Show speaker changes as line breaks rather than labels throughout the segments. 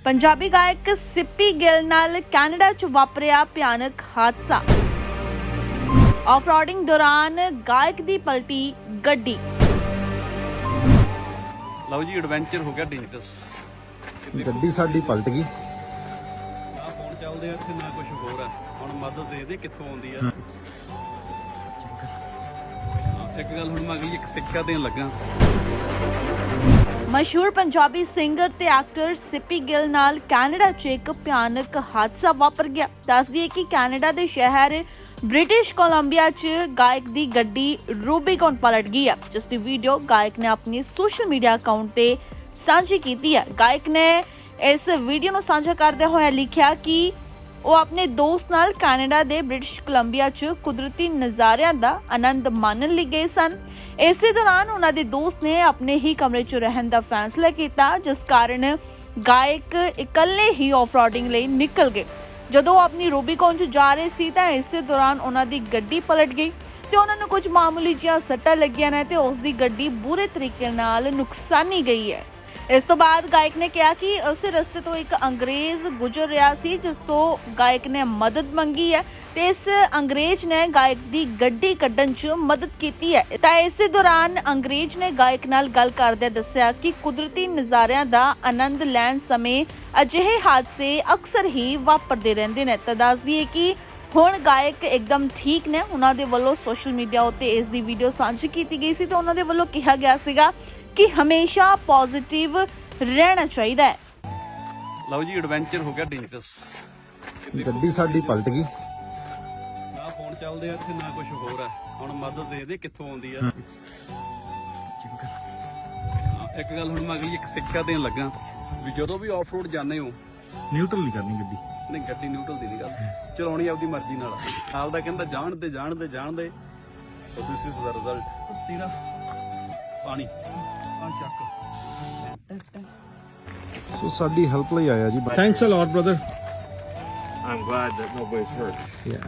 पंजाबी गायक सिप्पी गिल नाल कैनेडा च वापरिया भयानक हादसा। ऑफ-रोडिंग दौरान गायक दी पलटी गड्डी।
ਲਓ ਜੀ ਐਡਵੈਂਚਰ ਹੋ ਗਿਆ ਡੇਂਜਰਸ।
ਗੱਡੀ ਸਾਡੀ ਪਲਟ ਗਈ।
ਨਾ ਫੋਨ ਚੱਲਦੇ ਆ ਇੱਥੇ ਨਾ ਕੁਝ ਹੋਰ ਆ। ਹੁਣ ਮਦਦ ਦੇ ਦੇ ਕਿੱਥੋਂ ਆਉਂਦੀ ਆ। ਇੱਕ ਗੱਲ ਹੁਣ ਮੈਂ ਅਗਲੀ ਇੱਕ ਸਿੱਖਿਆ ਦੇਣ ਲੱਗਾ।
मशहूर पंजाबी सिंगर ते एक्टर सिप्पी गिल नाल कैनेडा च एक भयानक हादसा वापर गया। दस दिए कि कैनेडा दे शहर ब्रिटिश कोलंबिया च गायक दी गड्डी रूबीकॉन पलट गई है, जिस दी वीडियो गायक ने अपने सोशल मीडिया अकाउंट ते साझी की है। गायक ने इस वीडियो नूं साझा करदे होए लिखिया कि ਉਹ ਆਪਣੇ ਦੋਸਤ ਨਾਲ ਕੈਨੇਡਾ ਦੇ ਬ੍ਰਿਟਿਸ਼ ਕੋਲੰਬੀਆ 'ਚ ਕੁਦਰਤੀ ਨਜ਼ਾਰਿਆਂ ਦਾ ਆਨੰਦ ਮਾਣਨ ਲਈ ਗਏ ਸਨ। ਇਸੇ ਦੌਰਾਨ ਉਹਨਾਂ ਦੇ ਦੋਸਤ ਨੇ ਆਪਣੇ ਹੀ ਕਮਰੇ 'ਚ ਰਹਿਣ ਦਾ ਫੈਸਲਾ ਕੀਤਾ, ਜਿਸ ਕਾਰਨ ਗਾਇਕ ਇਕੱਲੇ ਹੀ ਆਫ-ਰੋਡਿੰਗ ਲਈ ਨਿਕਲ ਗਏ। ਜਦੋਂ ਉਹ ਆਪਣੀ ਰੂਬੀਕੌਨ 'ਚ ਜਾ ਰਹੇ ਸੀ ਤਾਂ ਇਸੇ ਦੌਰਾਨ ਉਹਨਾਂ ਦੀ ਗੱਡੀ ਪਲਟ ਗਈ ਤੇ ਉਹਨਾਂ ਨੂੰ ਕੁਝ ਮਾਮੂਲੀ ਜਿਹੀਆਂ ਸੱਟਾਂ ਲੱਗੀਆਂ ਨੇ ਤੇ ਉਸ ਦੀ ਗੱਡੀ ਬੁਰੇ ਤਰੀਕੇ ਨਾਲ ਨੁਕਸਾਨੀ ਗਈ ਹੈ। ਇਸ ਤੋਂ ਬਾਅਦ ਗਾਇਕ ਨੇ ਕਿਹਾ ਕਿ ਉਸੇ ਰਸਤੇ ਤੋਂ ਇੱਕ ਅੰਗਰੇਜ਼ ਗੁਜ਼ਰ ਰਿਹਾ ਸੀ, ਜਿਸ ਤੋਂ ਗਾਇਕ ਨੇ ਮਦਦ ਮੰਗੀ ਹੈ ਤੇ ਇਸ ਅੰਗਰੇਜ਼ ਨੇ ਗਾਇਕ ਦੀ ਗੱਡੀ ਕੱਢਣ 'ਚ ਮਦਦ ਕੀਤੀ ਹੈ। ਤਾਂ ਇਸੇ ਦੌਰਾਨ ਅੰਗਰੇਜ਼ ਨੇ ਗਾਇਕ ਨਾਲ ਗੱਲ ਕਰਦਿਆਂ ਦੱਸਿਆ ਕਿ ਕੁਦਰਤੀ ਨਜ਼ਾਰਿਆਂ ਦਾ ਆਨੰਦ ਲੈਣ ਸਮੇਂ ਅਜਿਹੇ ਹਾਦਸੇ ਅਕਸਰ ਹੀ ਵਾਪਰਦੇ ਰਹਿੰਦੇ ਨੇ। ਤਾਂ ਦੱਸ ਦਈਏ ਕਿ ਹੁਣ ਗਾਇਕ ਇੱਕਦਮ ਠੀਕ ਨੇ। ਉਹਨਾਂ ਦੇ ਵੱਲੋਂ ਸੋਸ਼ਲ ਮੀਡੀਆ ਉੱਤੇ ਇਸ ਦੀ ਵੀਡੀਓ ਸਾਂਝੀ ਕੀਤੀ ਗਈ ਸੀ ਤੇ ਉਹਨਾਂ ਦੇ ਵੱਲੋਂ ਕਿਹਾ ਗਿਆ ਸੀਗਾ ਕਿ ਹਮੇਸ਼ਾ ਪੋਜ਼ਿਟਿਵ ਰਹਿਣਾ ਚਾਹੀਦਾ ਹੈ।
ਲਓ ਜੀ ਐਡਵੈਂਚਰ ਹੋ ਗਿਆ ਡੇਂਜਰਸ।
ਗੱਡੀ ਸਾਡੀ ਪਲਟ ਗਈ।
ਨਾ ਫੋਨ ਚੱਲਦੇ ਆ ਇੱਥੇ ਨਾ ਕੁਝ ਹੋਰ ਆ। ਹੁਣ ਮਦਦ ਦੇ ਦੇ ਕਿੱਥੋਂ ਆਉਂਦੀ ਆ। ਇੱਕ ਗੱਲ ਹੁਣ ਮੈਂ ਅਗਲੀ ਇੱਕ ਸਿੱਖਿਆ ਦੇਣ ਲੱਗਾ ਵੀ ਜਦੋਂ ਵੀ ਆਫ ਰੋਡ ਜਾਂਦੇ ਹੋ
ਨਿਊਟਰਲ ਨਹੀਂ ਕਰਨੀ ਗੱਡੀ।
ਨਹੀਂ ਗੱਡੀ ਨਿਊਟਰਲ ਦੀ ਨਹੀਂ ਗੱਲ, ਚਲਾਉਣੀ ਆਪਦੀ ਮਰਜ਼ੀ ਨਾਲ। ਨਾਲ ਦਾ ਕਹਿੰਦਾ ਜਾਣਦੇ ਸੋ ਦਿਸ ਇਜ਼ ਦਾ ਰਿਜ਼ਲਟ। ਤੇਰਾ ਪਾਣੀ ਆ ਚੱਕ।
ਸੋ ਸਾਡੀ ਹੈਲਪ ਲਈ ਆਇਆ ਜੀ।
Thanks a lot, brother.
I'm glad that nobody's hurt.
Yeah.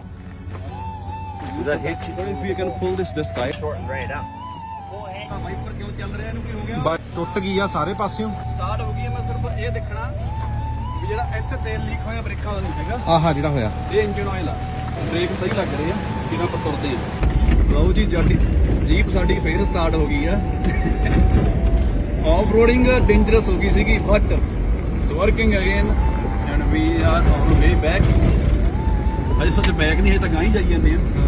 Did that hit you? If you can pull this side.
Shortened right up.
Wiper ਕਿਉਂ ਚੱਲ ਰਿਹਾ, ਇਹਨੂੰ ਕੀ ਹੋ ਗਿਆ?
ਬਾਈਕ ਟੁੱਟ ਗਈ ਆ ਸਾਰੇ ਪਾਸਿਓਂ।
ਸਟਾਰਟ ਹੋ ਗਈ ਹੈ। ਮੈਂ ਸਿਰਫ ਇਹ ਦੇਖਣਾ ਵੀ ਜਿਹੜਾ ਇੱਥੇ ਤੇਲ ਲੀਕ ਹੋਇਆ ਬ੍ਰੇਕਾਂ ਦਾ ਨਹੀਂ ਹੈਗਾ।
ਆਹਾ ਜਿਹੜਾ ਹੋਇਆ
ਇਹ ਇੰਜਨ ਆਇਲ ਆ। ਬ੍ਰੇਕ ਸਹੀ ਲੱਗ ਰਹੇ ਆ ਜਿਵੇਂ ਆਪਾਂ ਤੁਰਦੇ ਆ। ਲਓ ਜੀ ਜਾਡੀ ਜੀਪ ਸਾਡੀ ਫੇਰ ਸਟਾਰਟ ਹੋ ਗਈ ਆ। ਆਫ ਰੋਡਿੰਗ ਡੇਂਜਰਸ ਹੋ ਗਈ ਸੀਗੀ, but it's working again and we are on way back. ਅਜੇ ਸੱਚ ਬੈਕ ਨਹੀਂ ਹੈ ਤਾਂ ਗਾਂ ਹੀ ਜਾਈ ਜਾਂਦੇ ਆ।